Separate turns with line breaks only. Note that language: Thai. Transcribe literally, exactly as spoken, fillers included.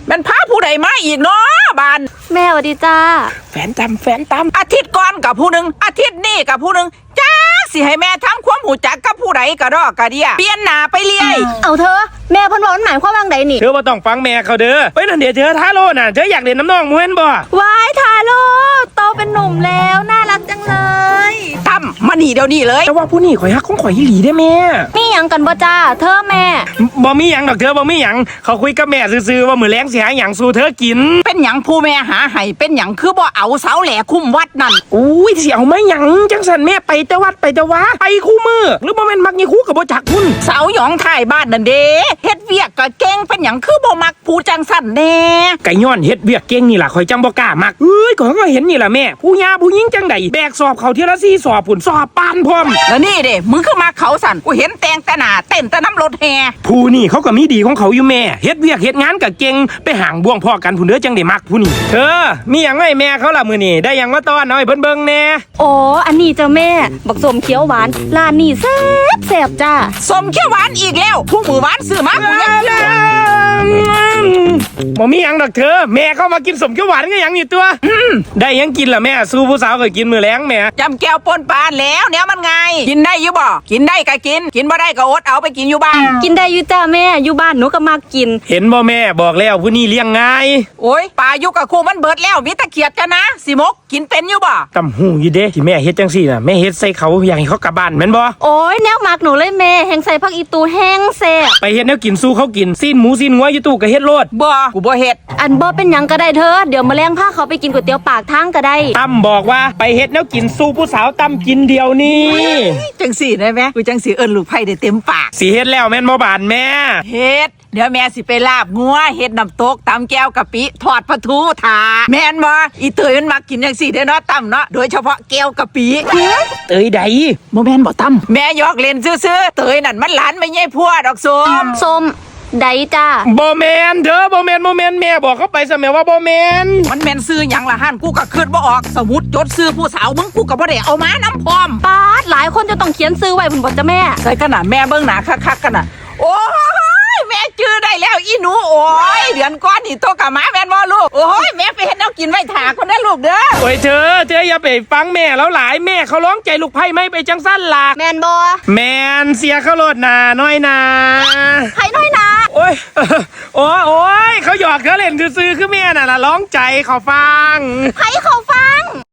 มันพาผู้ใดมาอีกเนาะบ้าน
แม่สวัสดีจ้า
แฟนจำแฟนตำอาทิตย์ก่อนกับผู้หนึ่งอาทิตย์นี้กับผู้หนึ่งจ้าสิให้แม่ทำความหูจักกับผู้ใดกระดอกกระเดียเปลี่ยนหน้าไปเรื่อย
เอาเธอแม่เพิ่นบอกหมายความว่าไงนี่
เธอบ่ต้องฟังแม่เขาเด้อไปนั่นเดี๋ยวเธอท้าโลน่ะเธออยากเล่นน้ำน้องมวยบ่
วายทาโร่โตเป็นหนุ่มแล้วน่ารักจังเลย
ตั้มมาหนีเดี๋ยวนี้เลย
แต่ว่าผู้นี่ข่อยฮักของข่อยอีหลีได้แม่
มีหยังกันบ่จ้าเธอแม่
บ่มีหยังดอกเธอบ่มีหยังเขาคุยกับแม่ซื่อๆว่ามื้อแลงสิหาหยังสู่เธอกิน
เป็นหยังผู้แม่หาให้เป็นหยังคือบ่เอาเสาแหล่คุ้มวัดนั่น
อุ้ยสิเอามาหยังจังซั่นแม่ไปแต่วัดไปแต่ว่าไปคู่มือหรือบ่แม่นมักยี่คู่กับบ่จักพุ่น
เสาหยองท้ายบ้านนั่นเด้เฮ็ดเวียกก็เก่งเป็นหยังคือบ่มักผู้จังซั่นแน่
ไก่ย้อนเฮ็ดเวียกเก่งนี่ล่ะข่อยจังบ่กล้ามักเอ้ยก็ก็เห็นนี่ล่ะแม่ผู้หญ้าผู้หญิงจังได๋แบกสอบเขาเที่ยละสี่สอบพุ่นสอบปานพร้อม
แล้วนี่เด้มึงคือมาเขาสั่นกูเห็นแต่งแต่หน้าเต้นแต่น้ำรถแห่
ผู้นี่เขาก็มีดีของเขาอยู่แม่เฮ็ดเวียกเฮ็ดงานก็เก่งไปห่างบ่วงพ่อกันพุ่นเด้อจังได้มักผู้นี่เธอมีหยังให้แม่เขาล่ะมื้อนี้ได้หยังมาต้อนเอาให้เพิ่นเบิ่งแน่
อ๋ออันนี้จ้ะแม่บักส้มเขียวหวานร้านนี้แซ่บแซ่บจ้า
ส้มเขียวหวานอีกแล้วผู้มือหวานซื้อมากูยัง
บ่มีหยังดอกเธอแม่เขามากินสมเขียวหวานก็หยังนี่ตัวได้ยังกินล่ะแม่สู้ผู้สาวก็กินมื้อแลงแม่
จำแก้วปนปานแล้วแนวมันไงกินได้อยู่บ่กินได้ก็กินกินบ่ได้ก็อดเอาไปกินอยู่บ้าน
กินได้อยู่จ้าแม่อยู่บ้านหนูก็มากิน
เห็นบ่แม่บอกแล้วผู้นี้เลี้ยงง่าย
โอ้ยปลาอยู่กับครูมันเบิดแล้วมีตะเกียบจ้ะนะสิมกกินเป็นอยู่บ่
ตำหูอยู่เด้ที่แม่เฮ็ดจังซี่น่ะแม่เฮ็ดใส่เขาอยากให้เขากลับบ้านแม่นบ่
โอ้ยแนวมักหนูเลยแม่แห้งใส่ผักอีตูแห้งแซ่บ
ไปเฮ็ดแนวกินสู้เขากินซีนหมูซีนงัวอยู่ตู้ก็เฮ็ดโลด
บ่กูบ่เฮ็ด
อันบ่เป็นหยังก็ได้เธอเดี๋ยวมื้อแลงพาเขาไปกินก๋วยเตี๋ยวปากทางก็ได้
ตั้มบอกว่าไปเฮ็ดแนวกินสู้ผู้สาวตั้มกินเดียวนี้
จังสี่ได้ไหมกูจังสี่เอิ้นลูกไผ่ได้เต็มปาก
สิเฮ็ดแล้วแม่นบ่บานแม่
เฮ็ดเดี๋ยวแม่สิไปลาบงัวเฮ็ดน้ำตกตำแก้วกะปิทอดปลาทูถาแม่นบ่อีเตยมันมักกินจังสี่เด้อเนาะตั้มเนาะโดยเฉพาะแก้วกะปิ
เตยใด
บ่แม่นบ่ตั้มแม่ยอกเล่นซื่อๆเตยนั่นมันหลานไม่ใช่พัวดอกส้ม
ส้มไดจ้า
บ่แม่นเด้อบ่แม่นบ่แม่นแม่บอกเขาไปซะแม่ว่าบ่แม่น
มันแม่นซื้อหยังล่ะหั่นกูก็คิดบ่ออกสมุดจดซื้อผู้สาวมึงกูก็บ่ได้เอามานำพร้อม
ปาดหลายคนจะต้องเขียนซื้อไว้พุ่นบ่จ้ะแม่
ใส่ขนาดแม่เบิ่งหน้าคักๆกันน่ะโอ้ยแม่จื้อได้แล้วอีหนูโอ้ยเดือนก่อนนี่โตกะหมาแม่นบ่ลูกโอ้ยแม่ไปเฮ็ดแนวกินไว้ถาคนได้ลูกเด้อ
โอ้ยเธอเธออย่าไปฟังแม่แล้วหลายแม่เขาร้องใจลูกไผ่ไม่ไปจังซั่นล่ะ
แม่นบ่
แม่นเสียเขาโลดหน้าน้อยนา
ไผน้อยนา
โอ้ยโอ้ยโอ้ยเขาหยอกเขาเล่นซื่อๆคือแม่น่ะล่ะร้องใจเขาฟัง
ไผเขาฟัง